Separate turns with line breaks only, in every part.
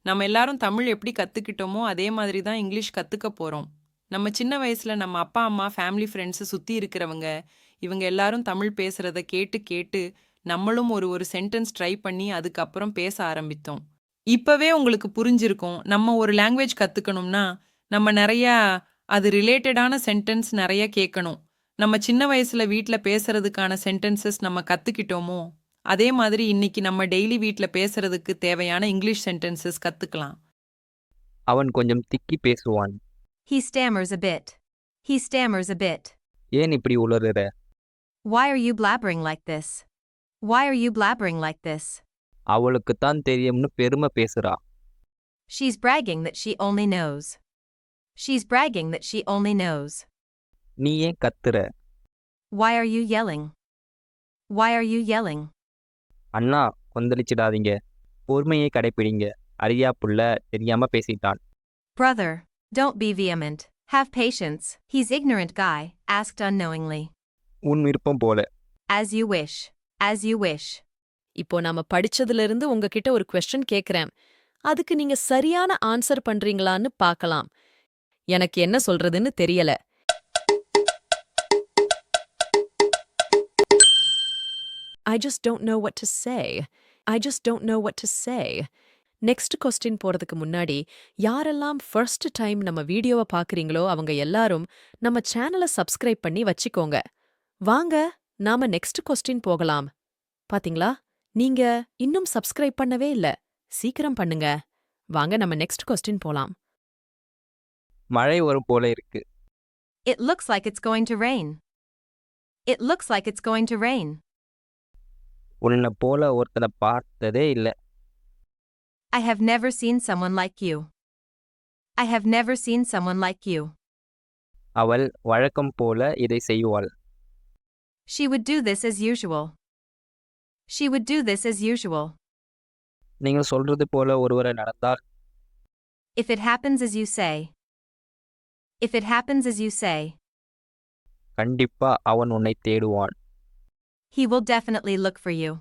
நம்ம எல்லாரும் தமிழ் எப்படி கத்துக்கிட்டோமோ, அதே மாதிரி தான் இங்கிலீஷ் கத்துக்க போறோம். நம்ம சின்ன வயசுல நம்ம அப்பா, அம்மா, ஃபேமிலி, ஃப்ரெண்ட்ஸ் சுத்தி இருக்கிறவங்க, இவங்க எல்லாரும் தமிழ் பேசுறத கேட்டு, கேட்டு நம்மளும் ஒரு ஒரு சென்டென்ஸ் ட்ரை பண்ணி அதுக்கப்புறம் பேச ஆரம்பித்தோம். இப்பவே உங்களுக்கு புரிஞ்சிருக்கும். நம்ம ஒரு லாங்குவேஜ் கத்துக்கணும்னா, நம்ம நெறையா அது ரிலேட்டடான சென்டென்ஸ் நெறைய கேட்கணும். நம்ம சின்ன வயசுல வீட்ல பேசுறதுக்கான சென்டென்சஸ் நம்ம கத்துக்கிட்டோமோ, அதே மாதிரி இன்னைக்கு நம்ம டெய்லி வீட்ல பேசுறதுக்கு தேவையான இங்கிலீஷ் சென்டென்சஸ் கத்துக்கலாம்.
அவன் கொஞ்சம் திக்கி பேசுவான்.
He stammers a bit. He stammers a bit.
ஏன் இப்படி உளறுற?
Why are you blabbering like this? Why are you blabbering like this?
அவளுக்குத்தான் தெரியும்னு பெருமை பேசுறா.
She's bragging that she only knows. She's bragging that she only knows.
நீ ஏன் கத்துற?
Why are you yelling? Why are you yelling?
அண்ணா கொந்தளிச்சிடாதீங்க. பொறுமையை கடைப்பிடிங்க. அறியா புள்ள தெரியாம பேசிட்டான்.
Brother, don't be vehement. Have patience. He's ignorant guy, asked unknowingly.
உன் விருப்பம் போல.
As you wish. As you wish.
இப்போ நாம படிச்சதுல இருந்து உங்ககிட்ட ஒரு கொஸ்டின் கேக்குறேன். அதுக்கு நீங்க சரியான ஆன்சர் பண்றீங்களான்னு பார்க்கலாம். எனக்கு என்ன சொல்றதுன்னு தெரியல. I just don't know what to say. I just don't know what to say. Next question போறதுக்கு முன்னாடி யாரெல்லாம் ஃபர்ஸ்ட் டைம் நம்ம வீடியோவை பார்க்கறீங்களோ அவங்க எல்லாரும் நம்ம சேனலை சப்ஸ்கிரைப் பண்ணி வச்சுக்கோங்க. வாங்க நாம நெக்ஸ்ட் கொஸ்டின் போகலாம். பாத்தீங்களா? நீங்க இன்னும் சப்ஸ்கிரைப் பண்ணவே இல்ல. சீக்கிரம் பண்ணுங்க. வாங்க நம்ம நெக்ஸ்ட் கொஸ்டின் போலாம்.
மழை வரும் போல இருக்கு.
It looks like it's going to rain. It looks like it's going to rain.
உன்னை போல ஒருத்தனை பார்த்ததே இல்ல.
I have never seen someone like you. I have never seen someone like you.
அவள் வழக்கம் போல இதை செய்வாள்.
She would do this as usual. She would do this as usual.
நீங்கள் சொல்றது போல ஒருவரை நடந்தால்
If it happens as you say. If it happens as you say.
கண்டிப்பா அவன் உன்னை தேடுவான்.
He will definitely look for you.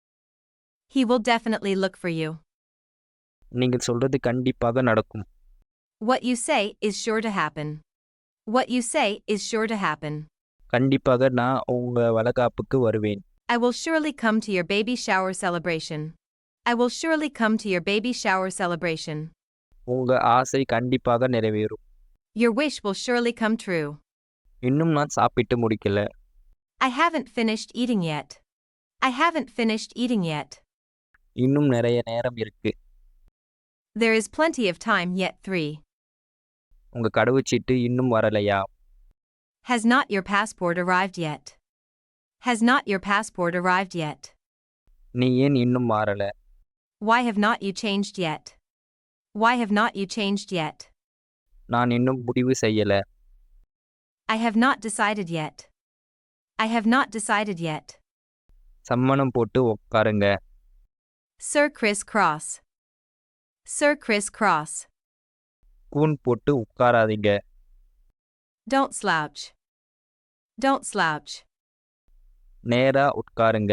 He will definitely look for you.
நீங்கள் சொல்றது கண்டிப்பாக நடக்கும்.
What you say is sure to happen. What you say is sure to happen.
கண்டிப்பாக நான் உங்க வளகாப்புக்கு வருவேன்.
I will surely come to your baby shower celebration. I will surely come to your baby shower celebration.
உங்க ஆசை கண்டிப்பாக நிறைவேறும்.
Your wish will surely come true.
இன்னும் நான் சாப்பிட்டு முடிக்கல.
I haven't finished eating yet. I haven't finished eating yet.
இன்னும் நிறைய நேரம் இருக்கு.
There is plenty of time yet. 3.
உங்க கடவுச்சீட்டு இன்னும் வரலையா?
Has not your passport arrived yet? Has not your passport arrived yet?
நீ ஏன் இன்னும் மாறல?
Why have not you changed yet? Why have not you changed yet?
நான் இன்னும் முடிவு செய்யல.
I have not decided yet. I have not decided yet.
சம்மணம் போட்டு உட்காருங்க.
Sir Criss Cross. Sir Criss Cross.
கூன் போட்டு உட்காராதீங்க.
Don't slouch. Don't slouch.
நேரா உட்காருங்க.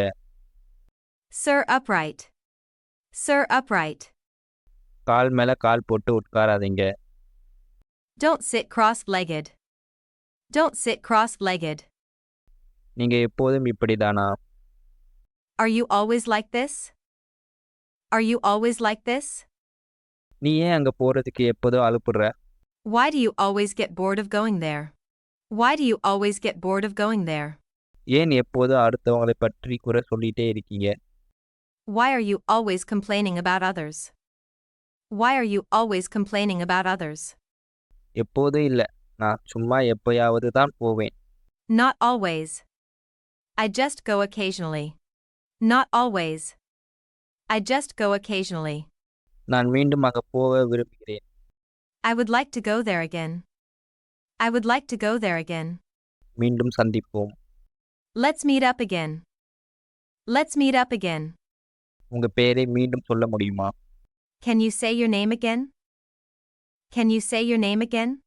Sir upright. Sir upright.
கால் மேல கால் போட்டு உட்காராதீங்க.
Don't sit cross-legged. Don't sit cross-legged.
நீங்க எப்போதும் இப்படிதானா?
Are you always like this? Are you always like this?
நீ ஏன் அங்க போறதுக்கு எப்போதும் அலுப்புற?
Why do you always get bored of going there? Why do you always get bored of going there?
ஏன் எப்போதும் அடுத்தவங்களை பற்றி குறை சொல்லிட்டே இருக்கீங்க?
Why are you always complaining about others? Why are you always complaining about others?
எப்போதும் இல்ல. நான் சும்மா எப்பயாவது தான் போவேன்.
Not always. I just go occasionally. Not always. I just go occasionally.
நான் மீண்டும் அங்க போக விரும்புகிறேன்.
I would like to go there again. I would like to go there again.
மீண்டும் சந்திப்போம்.
Let's meet up again. Let's meet up again.
உங்க பேரை மீண்டும் சொல்ல முடியுமா?
Can you say your name again? Can you say your name again?